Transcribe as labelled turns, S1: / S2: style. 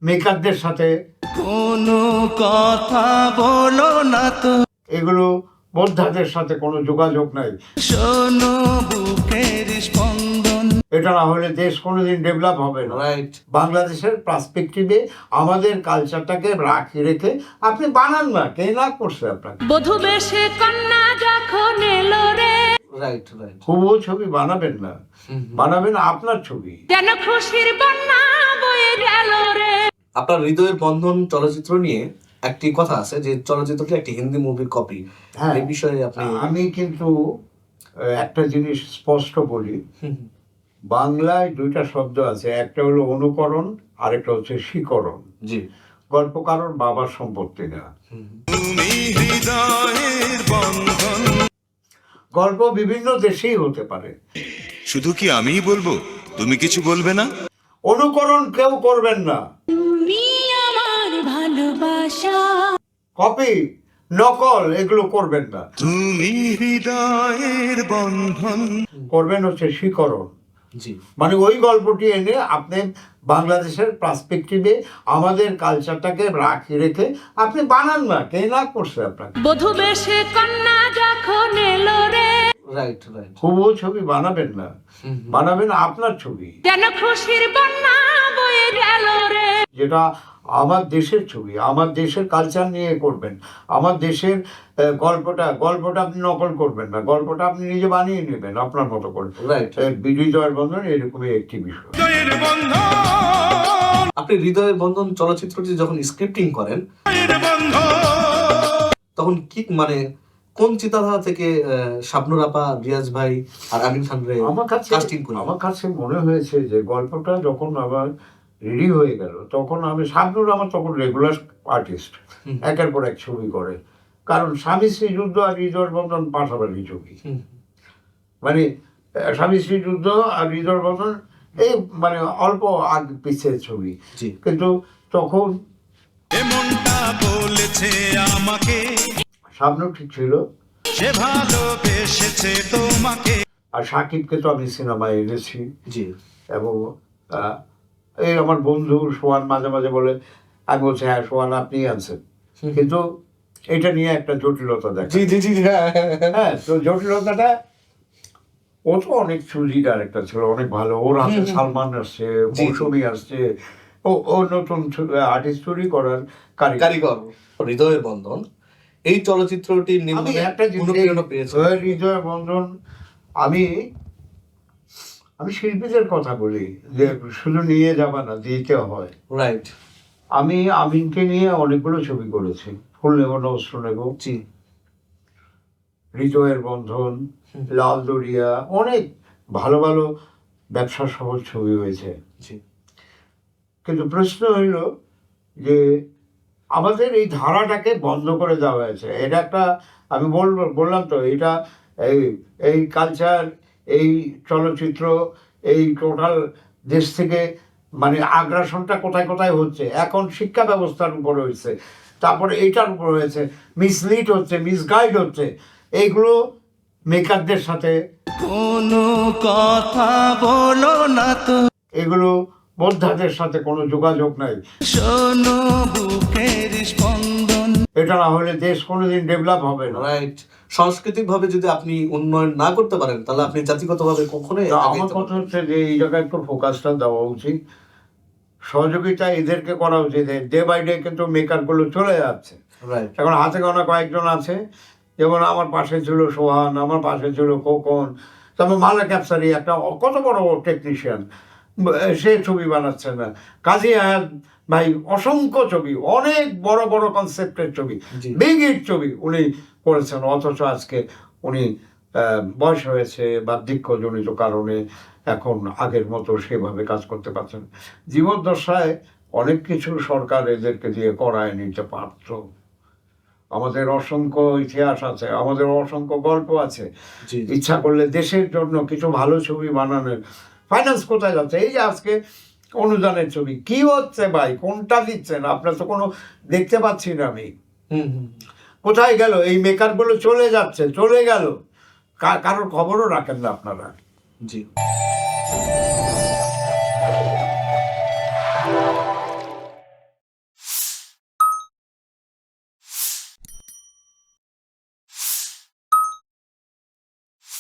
S1: মেকারদের সাথে
S2: কোনো কথা বলো না তো,
S1: এগুলো বোদ্ধাদের সাথে কোনো যোগাযোগ নাই।
S2: শোনো বুকের স্পন্দন।
S1: এটা না হলে দেশ কোনোদিন ডেভেলপ হবে না।
S2: রাইট।
S1: বাংলাদেশের পার্সপেক্টিভে আমাদের কালচারটাকে রাখি রেখে আপনি বানান না, কে না করছে আপনাকে?
S3: বধূ বেশে কন্যা যখন এলো রে,
S2: রাইট রাইট।
S1: হুবহু ছবি বানাবেন না, বানাবেন আপনার ছবি।
S3: যেন খুশির বন্যা বয়ে গেল রে।
S2: আপনার হৃদয়ের বন্ধন চলচ্চিত্র নিয়ে একটি কথা আছে যে চলচ্চিত্রটি একটি হিন্দি মুভির কপি।
S1: হ্যাঁ,
S2: এই বিষয়ে আপনি?
S1: আমি কিন্তু একটা জিনিস স্পষ্ট বলি, বাংলায় দুইটা শব্দ আছে, একটা হলো অনুকরণ, আরেকটা হচ্ছে শিকরণ।
S2: জি।
S1: গল্পকারর বাবার সম্পত্তি না। গল্প বিভিন্ন দেশেই হতে পারে।
S4: শুধু কি আমিই বলবো, তুমি কিছু বলবে না?
S1: অনুকরণ কেউ করবেন না,
S3: তুমি আমার ভালোবাসা।
S1: কপি নকল এগুলো করবেন না।
S4: তুমি হৃদয়ের বন্ধন।
S1: করবেন হচ্ছে শিকরণ।
S2: জি।
S1: মানে ওই গল্পটি এনে আপনি বাংলাদেশের পার্সপেক্টিভে আমাদের কালচারটাকে রাখি রেখে আপনি বানান না, কে না করছে আপনাকে?
S3: বধূ বেশে কন্যা যখন এলো রে,
S2: রাইট রাইট।
S1: হুবহু ছবি বানাবেন না, বানাবেন আপনার ছবি,
S3: যেন খুশির বন্যা বয়ে গেল রে।
S1: যেটা আমার দেশের ছবি, আমার দেশের কালচার নিয়ে করবেন। আমার দেশের গল্পটা আপনি নকল করবেন না, গল্পটা আপনি নিজে বানিয়ে নেবেন আপনার মতো করে।
S2: রাইট।
S1: হৃদয়ের বন্ধন এরকমই একটি বিষয়।
S2: আপনি হৃদয়ের বন্ধন চলচ্চিত্রটি যখন স্ক্রিপ্টিং করেন তখন কি মানে কোন চিন্তাধারা থেকে শাবনূর আপা, রিয়াজ ভাই আর আমিন খান রে কাস্টিং করেন?
S1: আমার কাছে মনে হয়েছে যে গল্পটা যখন আবার রেডি হয়ে গেল তখন আমি, শাবনূর আমার তখন রেগুলার আর্টিস্ট, একের পর এক ছবি করে। কারণ স্বামী স্ত্রী যুদ্ধ আর হৃদয়ের বন্ধন পাশাপাশি ছবি, মানে স্বামী স্ত্রী যুদ্ধ আর হৃদয়ের বন্ধন এই মানে অল্প আগ পিছের ছবি। কিন্তু তখন
S4: এমনটা বলেছে আমাকে,
S1: শাবনূর ঠিক ছিল,
S4: সে ভালোবেসেছে তোমাকে।
S1: আর সাকিবকে তো আমি সিনেমায় এনেছি।
S2: জি।
S1: এবং এই আমার বন্ধু সোহান মাঝে মাঝে বলে, আমি বলছি হ্যাঁ সোহান আপনিই আনছেন, কিন্তু এটা নিয়ে একটা জটিলতা দেখা।
S2: জি জি জি।
S1: হ্যাঁ, তো জটিলতাটা, ও তো অনেক চুজি ডাইরেক্টর ছিল, অনেক ভালো। ওর হাতে সালমান আসছে, মৌসুমী আসছে, ও নতুন আর্টিস্ট তৈরি করার
S2: কারিগর। হৃদয়ের বন্ধন এই চলচ্চিত্রটি
S1: আমি একটা
S2: অনুপ্রেরণা পেয়েছি।
S1: হৃদয় বন্ধন, আমি শিল্পীদের কথা বলি যে শুধু নিয়ে যাবা না, দিতে হয়।
S2: রাইট।
S1: আমি আমিনকে নিয়ে অনেকগুলো ছবি করেছি, ফুল নেব না অস্ত্র নেব,
S2: জি।
S1: হৃদয়ের বন্ধন, লাল দরিয়া, অনেক ভালো ভালো ব্যবসা সফল ছবি হয়েছে।
S2: জি।
S1: কিন্তু প্রশ্ন হইল যে আমাদের এই ধারাটাকে বন্ধ করে দেওয়া হয়েছে। এটা একটা, আমি বললাম তো, এটা এই কালচার, এই চলচ্চিত্র, এই টোটাল দেশ থেকে মানে আগ্রাসনটা কোথায় কোথায় হচ্ছে। এখন শিক্ষা ব্যবস্থার উপরে হয়েছে, তারপরে এইটার উপর হয়েছে, মিসলিড হচ্ছে, মিসগাইড হচ্ছে। এইগুলো মেকারদের সাথে
S2: কোনো কথা বলো না তো,
S1: এগুলো বোদ্ধাদের সাথে কোনো যোগাযোগ নাই।
S2: শোনো বুকের স্পন্দন।
S1: এটা না হলে দেশ কোনোদিন ডেভেলপ হবে না।
S2: রাইট। সাংস্কৃতিক ভাবে যদি আপনি উন্নয়ন না করতে পারেন তাহলে আপনি জাতিগতভাবে কখনোই
S1: আমার কথা হচ্ছে যে এই জায়গায় একটু ফোকাসটা দেওয়া উচিত, সহযোগিতা এদেরকে করা উচিত। ডে বাই ডে কিন্তু মেকারগুলো চলে যাচ্ছে।
S2: রাইট।
S1: এখন হাতে গোনা কয়েকজন আছে, যেমন আমার পাশে ছিল সোহান, আমার পাশে ছিল খোকন, তারপর মালা ক্যাপসারি একটা কত বড় টেকনিশিয়ান, সে ছবি বানাচ্ছে না। কাজী আয়াত ভাই অসংখ্য ছবি, অনেক বড় বড় কনসেপ্টের ছবি, বিগ হিট ছবি উনি করেছেন, অথচ আজকে উনি বয়স হয়েছে বার্ধক্যজনিত কারণে এখন আগের মতো সেভাবে কাজ করতে পারছেন। জীবদ্দশায় অনেক কিছু সরকার এদেরকে দিয়ে করায় নিতে পারত। আমাদের অসংখ্য ইতিহাস আছে, আমাদের অসংখ্য গল্প আছে। ইচ্ছা করলে দেশের জন্য কিছু ভালো ছবি বানানোর ফাইন্যান্স কোথায় যাচ্ছে? এই যে আজকে অনুদানের ছবি কি হচ্ছে ভাই, কোনটা দিচ্ছেন আপনার? তো কোনো দেখতে পাচ্ছি না আমি। কোথায় গেল এই মেকারগুলো? চলে যাচ্ছে, চলে গেল, কারোর খবরও রাখেন না আপনারা।
S2: জি।